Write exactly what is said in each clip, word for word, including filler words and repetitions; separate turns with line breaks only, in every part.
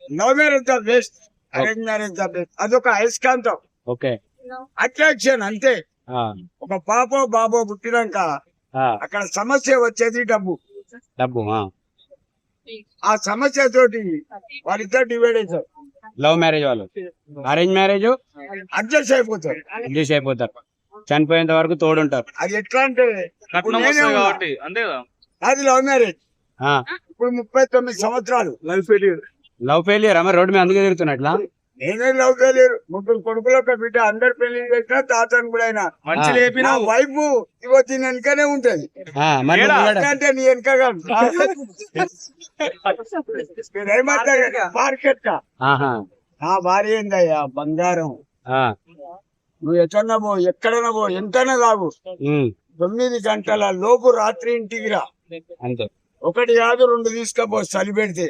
Love marriage the best, arrange marriage the best. అదొక అయస్కాంతం,
okay
attraction అంతే. ఒక పాపో బాబో పుట్టినాక అక్కడ సమస్య వచ్చేది డబ్బు.
డబ్బు
ఆ సమస్య తోటి వాళ్ళిద్దరు డివైడ్ అవుతారు.
లవ్ మ్యారేజ్ వాళ్ళు, అరేంజ్ మ్యారేజ్
అడ్జస్ట్ అయిపోతారు.
ఇంగ్లీష్ అయిపోతారు, చనిపోయేంత వరకు తోడుంటారు.
అది ఎట్లా అంటే ఇప్పుడు నేనే ఉన్నా. అది లవ్ మ్యారేజ్. ఇప్పుడు ముప్పై తొమ్మిది సంవత్సరాలు లవ్ ఫెయిల్యూర్.
లవ్ ఫెయిలియర్ అమ్మ రోడ్డు మీద అందుకే తిరుగుతున్నట్లా.
నేనే లవ్ ఫెయిల్యూర్. ముగ్గురు కొడుకులు ఒక బిడ్డ, అందరు పెళ్లి చేసిన తాతను కూడా అయినా నా వైఫ్ ఇగో దీని వెనకనే ఉంటది. అంటే నీ వెనకగా మార్కెట్ నా భార్య ఏందయ్యా బంగారం. నువ్వు ఎక్కడన్నా పో, ఎక్కడన్నా పో, ఎంతైనా కావు, తొమ్మిది గంటల లోపు రాత్రి ఇంటికి రా.
అంతే,
ఒకటి కాదు రెండు తీసుకపో చలి పెడితే.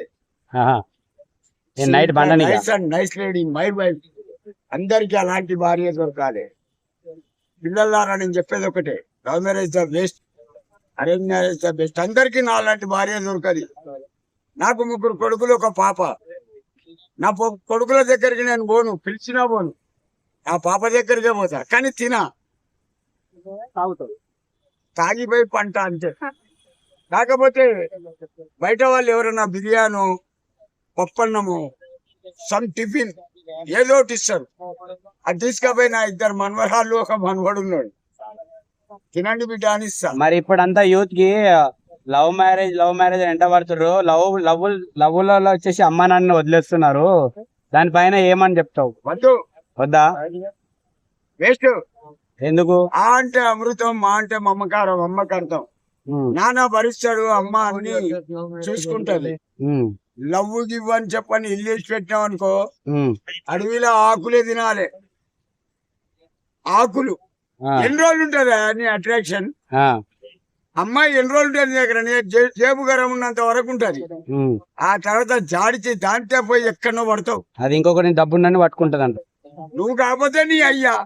Night
nice lady my wife. అందరికి అలాంటి భార్య దొరకాలి. పిల్లలారా నేను చెప్పేది ఒకటే, love marriage the best, arrange marriage the best. అందరికి నా అలాంటి భార్య దొరకది. నాకు ముగ్గురు కొడుకులు ఒక పాప. నా కొడుకుల దగ్గరికి నేను పోను, పిలిచినా పోను. నా పాప దగ్గరికే పోతా, కానీ తినా తాగిపోయి పంట అంతే. కాకపోతే బయట వాళ్ళు ఎవరైనా బిర్యానో పప్పన్నము సమ్ టిఫిన్ ఏదో ఒకటి ఇస్తారు. అది తీసుకపోయి నా ఇద్దరు మనవరాళ్ళు ఒక మనవడు ఉన్నాడు, తినండి బిడ్డ అని ఇస్తా.
మరి ఇప్పుడంతా యూత్ కి లవ్ మ్యారేజ్ లవ్ మ్యారేజ్ ఎంట పడుతున్నారు. లవ్ లవ్ లవ్ లలో వచ్చేసి అమ్మ నాన్న వదిలేస్తున్నారు. దానిపైన ఏమని చెప్తావు?
వద్దు,
వద్దా,
వేస్ట్.
ఎందుకు?
ఆ అంటే అమృతం, మా అంటే మమ్మకారం, అమ్మకర్థం. నాన్న భరిస్తాడు, అమ్మ అన్ని చూసుకుంటది. లవ్ గివ్ అని చెప్పని ఇల్లు వేసి పెట్టాం అనుకో, అడవిలో ఆకులే తినాలి. ఆకులు ఎన్ని రోజులు ఉంటది నీ అట్రాక్షన్? అమ్మాయి ఎన్ని రోజులు ఉంటుంది దగ్గర, జేబు గరం ఉన్నంత వరకు ఉంటది. ఆ తర్వాత జాడిచి దాంట్లో పోయి ఎక్కడో పడతావు.
అది ఇంకొకటి డబ్బున్నని పట్టుకుంటది అంట.
నువ్వు కాకపోతే నీ అయ్యా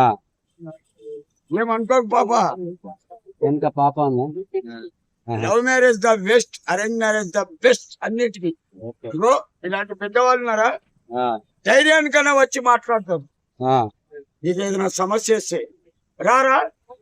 ఏమనుకోకు పాప.
ఎంత పాప.
Love marriage the best, arrange marriage the best అన్నిటికీ. ఇగో ఇలాంటి పెద్దవాళ్ళు ఉన్నారా, ధైర్యానికన్నా వచ్చి మాట్లాడతారు. నీకు ఏదైనా సమస్య వస్తే రారా,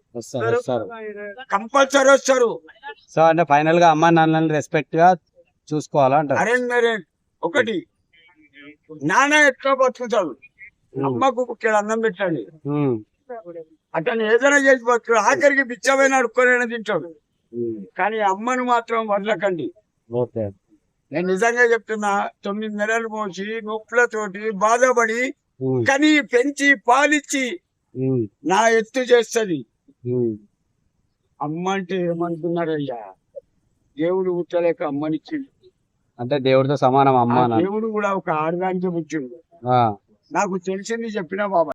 కంపల్సరీ వస్తారు.
సో అంటే ఫైనల్ గా అమ్మా నాన్నని రెస్పెక్ట్ గా చూసుకోవాలా అంటారు.
అరేంజ్ మ్యారేజ్ ఒకటి, నాన్న ఎట్లా బతుకుతాడు, అమ్మకు ఇక్కడ అన్నం పెట్టండి, అతను ఏదైనా చేసి బతుకు. ఆఖరికి బిచ్చమైన అడుక్కొని తింటాడు, కానీ అమ్మను మాత్రం వదలకండి. నేను నిజంగా చెప్తున్నా, తొమ్మిది నెలలు మోసి నొప్పులతోటి బాధపడి కని పెంచి పాలిచ్చి నా ఎత్తు చేస్తుంది. అమ్మ అంటే ఏమంటున్నారయ్యా, దేవుడు పుట్టలేక అమ్మనిచ్చిండు
అంటే దేవుడితో సమానం అమ్మ.
దేవుడు కూడా ఒక ఆడదానికి పుట్టిండు. నాకు తెలిసింది చెప్పిన బాబా.